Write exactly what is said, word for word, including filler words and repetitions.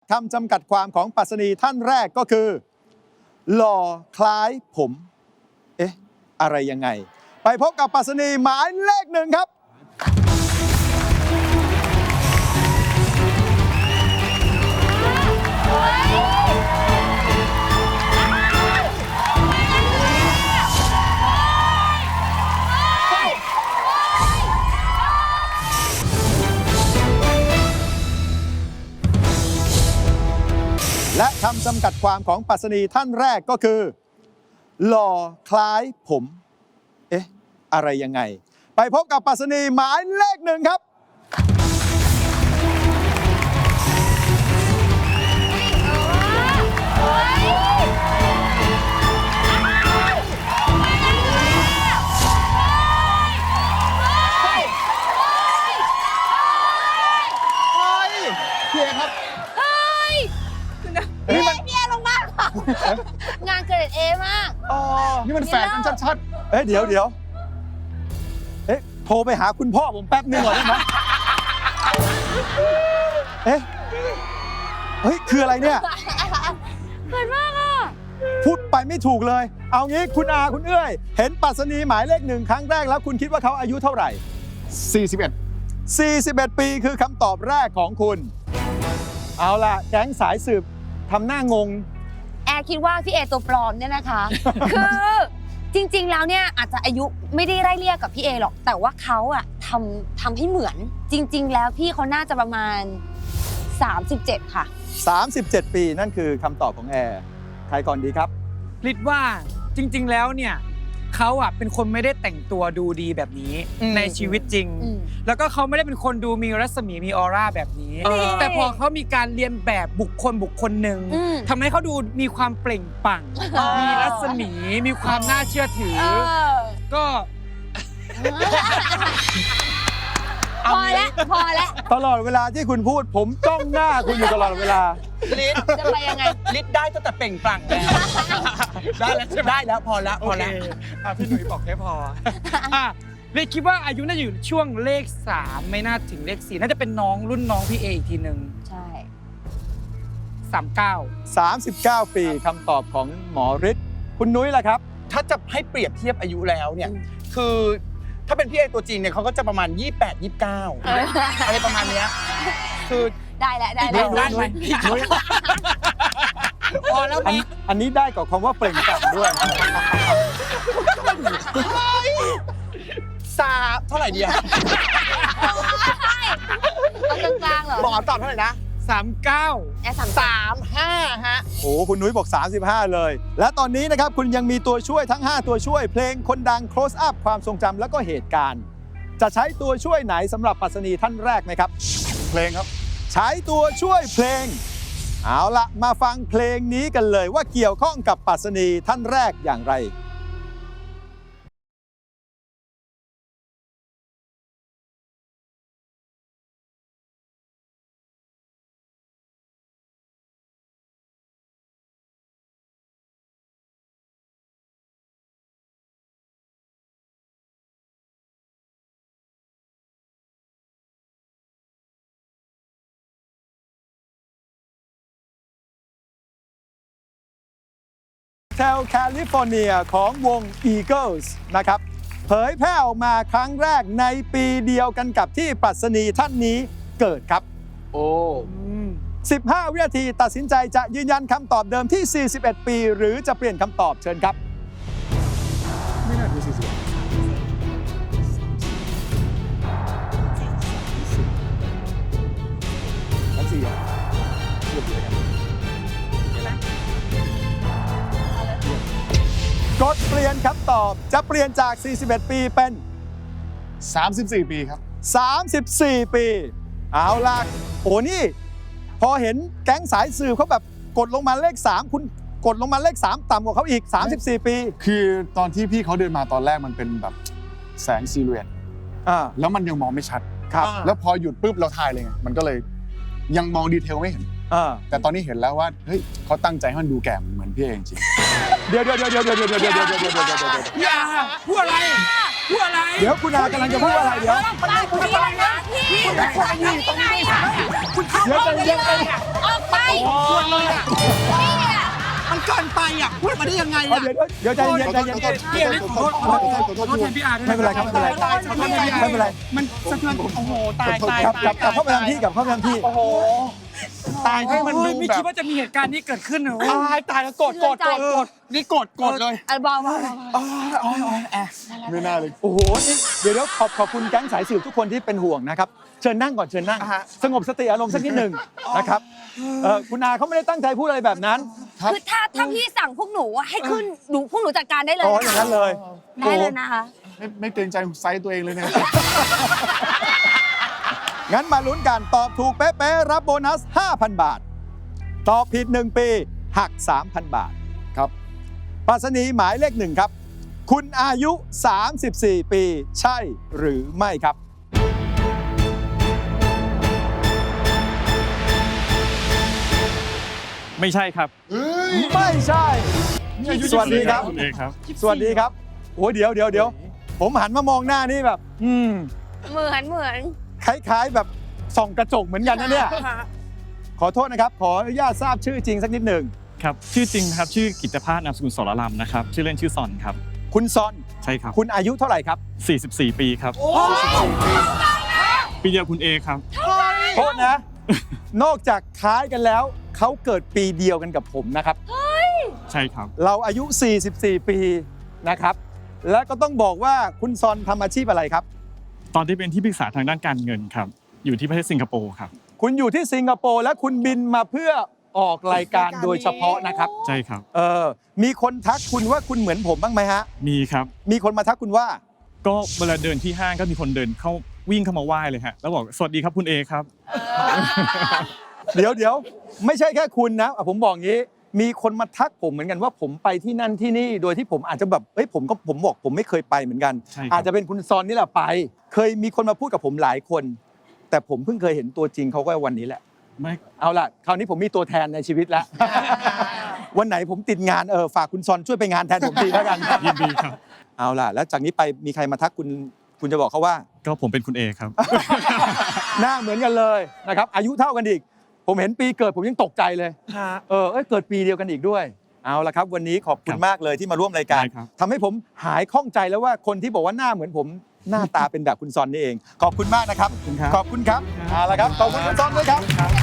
คำจำกัดความของปรัชนีท่านแรกก็คือหล่อคล้ายผมเอ๊ะอะไรยังไงไปพบกับปรัชนีหมายเลขหนึ่งครับและคำจำกัดความของปรัชนีท่านแรกก็คือหล่อคล้ายผมเอ๊ะอะไรยังไงไปพบกับปรัชนีหมายเลขหนึ่งครับพี่เอครับนี่มันพี่เอลงมากงานเกรดเอมากอ๋อนี่มันแฝงกันชัดๆเอ๊ะเดี๋ยวเดี๋ยวเอ๊ะโทรไปหาคุณพ่อผมแป๊บนึงก่อนได้ไหมเอ๊ะเฮ้ยคืออะไรเนี่ยเกิดมากอ่ะพูดไปไม่ถูกเลยเอางี้คุณอาคุณเอ้ยเห็นปรัชนีหมายเลขหนึ่งครั้งแรกแล้วคุณคิดว่าเขาอายุเท่าไหร่สี่สิบเอ็ดสี่สิบเอ็ดปีคือคำตอบแรกของคุณเอาล่ะแก๊งสายสืบทำหน้างงแอร์คิดว่าพี่เอตัวปลอมเนี่ยนะคะ คือจริงๆแล้วเนี่ยอาจจะอายุไม่ได้ไล่เลี่ยกับพี่เอหรอกแต่ว่าเขาอะทำทำให้เหมือนจริงๆแล้วพี่เขาน่าจะประมาณสามสิบเจ็ดค่ะสามสิบเจ็ดปีนั่นคือคำตอบของแอร์ใครก่อนดีครับลิศว่าจริงๆแล้วเนี่ยเขาอ่ะเป็นคนไม่ได้แต่งตัวดูดีแบบนี้ในชีวิตจริงแล้วก็เขาไม่ได้เป็นคนดูมีรัศมีมีออร่าแบบนี้แต่พอเขามีการเรียนแบบบุคคลบุคคลหนึ่งทำให้เขาดูมีความเปล่งปลั่งมีรัศมีมีความน่าเชื่อถือก็พอแล้วพอแล้วตลอดเวลาที่คุณพูดผมจ้องหน้าคุณอยู่ตลอดเวลาลิศจะไปยังไงลิศได้ตั้งแต่เปล่งปลั่งแล้วได้แล้วใช่ไหมได้แล้วพอแล้วพอแล้วพี่หนุ่ยบอกแค่พออ่ะลิศคิดว่าอายุน่าจะอยู่ช่วงเลขสามไม่น่าถึงเลขสี่น่าจะเป็นน้องรุ่นน้องพี่เออีกทีหนึ่งใช่สามเก้าสามสิบเก้าปีคำตอบของหมอฤทธิ์คุณนุ้ยล่ะครับถ้าจะให้เปรียบเทียบอายุแล้วเนี่ยคือถ้าเป็นพี่เอตัวจริงเนี่ยเขาก็จะประมาณยี่สิบแปด ยี่สิบเก้าอะไรประมาณนี้คือได้แล้วได้แล้วได้ไหมพอแล้วนะอันนี้ได้กับคำว่าเปล่งปลั่งด้วยสามเท่าไหร่ดีอะเอากลางๆเหรอบอกตอบเท่าไหร่นะสามเก้าแอร์สามสามห้าฮะโอ้คุณนุ้ยบอกสามสิบห้าเลยและตอนนี้นะครับคุณยังมีตัวช่วยทั้งห้าตัวช่วยเพลงคนดัง close up ความทรงจำแล้วก็เหตุการณ์จะใช้ตัวช่วยไหนสำหรับปรัชนีท่านแรกไหมครับเพลงครับใช้ตัวช่วยเพลงเอาละมาฟังเพลงนี้กันเลยว่าเกี่ยวข้องกับปรัชนีท่านแรกอย่างไรแถวแคลิฟอร์เนียของวง Eagles นะครับเผยแพร่ออกมาครั้งแรกในปีเดียวกันกับที่ปรัชนีท่านนี้เกิดครับโอ้สิบห้าวินาทีตัดสินใจจะยืนยันคำตอบเดิมที่สี่สิบเอ็ดปีหรือจะเปลี่ยนคำตอบเชิญครับไม่น่าจะสี่สิบทั้งสี่อ่ะเลือกเลยครับกดเปลี่ยนคำตอบจะเปลี่ยนจากสี่สิบเอ็ดปีเป็นสามสิบสี่ปีครับสามสิบสี่ปีเอาล่ะโอ้นี่พอเห็นแก๊งสายสืบเขาแบบกดลงมาเลขสามคุณกดลงมาเลขสามต่ำกว่าเขาอีกสามสิบสี่ปีคือตอนที่พี่เขาเดินมาตอนแรกมันเป็นแบบแสงซิลูเอตอ่าแล้วมันยังมองไม่ชัดครับแล้วพอหยุดปุ๊บเราทายเลยไงมันก็เลยยังมองดีเทลไม่เห็นแต่ตอนนี้เห็นแล้วว่าเฮ้ยเขาตั้งใจให้มันดูแก่เหมือนพี่เองจริงเดี๋ยวเดี๋ยวเดี๋ยวเดี๋ยวเดี๋ยวเดี๋ยวเดี๋ยวเดี๋ยวเดี๋ยวเดี๋ยวเดี๋ยวเดี๋ยวอย่าพูดอะไรพูดอะไรเดี๋ยวคุณอากำลังจะพูดอะไรเดี๋ยวคุณพี่นะพี่คุณพี่ตรงนี้ค่ะเดี๋ยวใจเย็นใจออกไปชวนเลยอ่ะมันเกินไปอ่ะพูดมาได้ยังไงเอาอ่ะเดี๋ยวเดี๋ยวใจเย็นใจเย็นพี่เอเล็กขอโทษขอโทษขอโทษแทนพี่อาร์ด้วยไม่เป็นไรครับไม่เป็นไรตายตายไม่เป็นไรมันสะเทือนโอ้โหตายตายกลับกลับกลับเข้าไปตายทำที่กลับเข้าไปทำที่โอ้โหตายให้มันโอ้ดูยไม่แบคิดบว่าจะมีเหตุการณ์นี้เกิดขึ้นเหรอตายตายแล้วโกรธโกรธโกรธโกรธนี่โกรธโกรธเลยอัลบอมว่าอ๋ออ๋ออ๋อแอะไม่น่าเลยโอ้โหนี่เดี๋ยวเดี๋ยวขอบขอบคุณแก๊งสายสืบทุกคนที่เป็นห่วงนะครับเชิญนั่งก่อนเชิญนั่งอ่าฮะสงบสติอารมณ์สักนิดหนึ่งนะครับเอ่อคุณอาเขาไม่ได้ตั้งใจพูดอะไรแบบนั้นคือถ้าถ้าพี่สั่งพวกหนูอะให้ขึ้นหนูพวกหนูจัดการได้เลยอ๋ออย่างนั้นเลยได้เลยนะคะไม่ไม่เกรงใจไซส์ตัวเองเลยเนี่ยงั้นมาลุ้นกันตอบถูกเป๊ะๆรับโบนัส ห้าพัน บาท ตอบผิดหนึ่งปีหัก สามพัน บาทครับปรัชนีหมายเลขหนึ่งครับ คุณอายุ สามสิบสี่ ปีใช่หรือไม่ครับไม่ใช่ครับไม่ใช่ สวัสดีครับคุณเอกครับสวัสดีครับโอ้เดี๋ยวเดี๋ยวเดี๋ยวผมหันมามองหน้านี่แบบ อืมเหมือนเหมือนคล้ายๆแบบส่องกระจกเหมือนกันนะเนี่ย ขอโทษนะครับ ขออนุญาตทราบชื่อจริงสักนิดหนึ่งครับ ชื่อจริงครับ ชื่อกิตภาสนามสกุลสรลำนะครับ ชื่อเล่นชื่อซอนครับคุณซอนใช่ครับคุณอายุเท่าไหร่ครับสี่สิบสี่ ปีครับ ปีเดียวคุณเอครับโทษนะ นอกจากคล้ายกันแล้ว เขาเกิดปีเดียวกันกับผมนะครับใช่ครับเราอายุ สี่สิบสี่ ปีนะครับ และก็ต้องบอกว่าคุณซอนทำอาชีพอะไรครับตอนที่เป็นที่ปรึกษาทางด้านการเงินครับ อยู่ที่ประเทศสิงคโปร์ครับคุณอยู่ที่สิงคโปร์และคุณบินมาเพื่อออกรายการโดยเฉพาะนะครับใช่ครับเออมีคนทักคุณว่าคุณเหมือนผมบ้างไหมฮะมีครับมีคนมาทักคุณว่าก็เวลาเดินที่ห้างก็มีคนเดินเข้าวิ่งเข้ามาไหว้เลยฮะ แล้วบอกสวัสดีครับคุณเอครับเดี๋ยวเดี๋ยวไม่ใช่แค่คุณนะอ่ะผมบอกงี้ มีคนมาทักผมเหมือนกันว่าผมไปที่นั่นที่นี่ โดยที่ผมอาจจะแบบเอ้ยผมก็ผมบอกผมไม่เคยไปเหมือนกันใช่ครับอาจจะเป็นคุณซอนนี่แหละไป เคยมีคนมาพูดกับผมหลายคน แต่ผมเพิ่งเคยเห็นตัวจริงเขาก็วันนี้แหละไม่เอาล่ะคราวนี้ผมมีตัวแทนในชีวิตแล้ว วันไหนผมติดงานเออฝากคุณซอนช่วยไปงานแทนผมทีแล้วกันยินดีครับเอาล่ะ แล้วจากนี้ไปมีใครมาทักคุณคุณจะบอกเขาว่าก็ผมเป็นคุณเอครับหน้าเหมือนกันเลยนะครับอายุเท่ากันอีก ผมเห็นปีเกิดผมยังตกใจเลย เออเอ้ยเกิดปีเดียวกันอีกด้วย เอาละครับ วันนี้ขอบคุณครับมากเลยที่มาร่วมรายการได้ครับทำให้ผมหายข้องใจแล้วว่าคนที่บอกว่าหน้าเหมือนผมหน้าตาเป็นแบบคุณซอนนี่เอง ขอบคุณมากนะครับขอบคุณครับขอบคุณครับเอาละครับขอบคุณคุณซอนด้วยครับ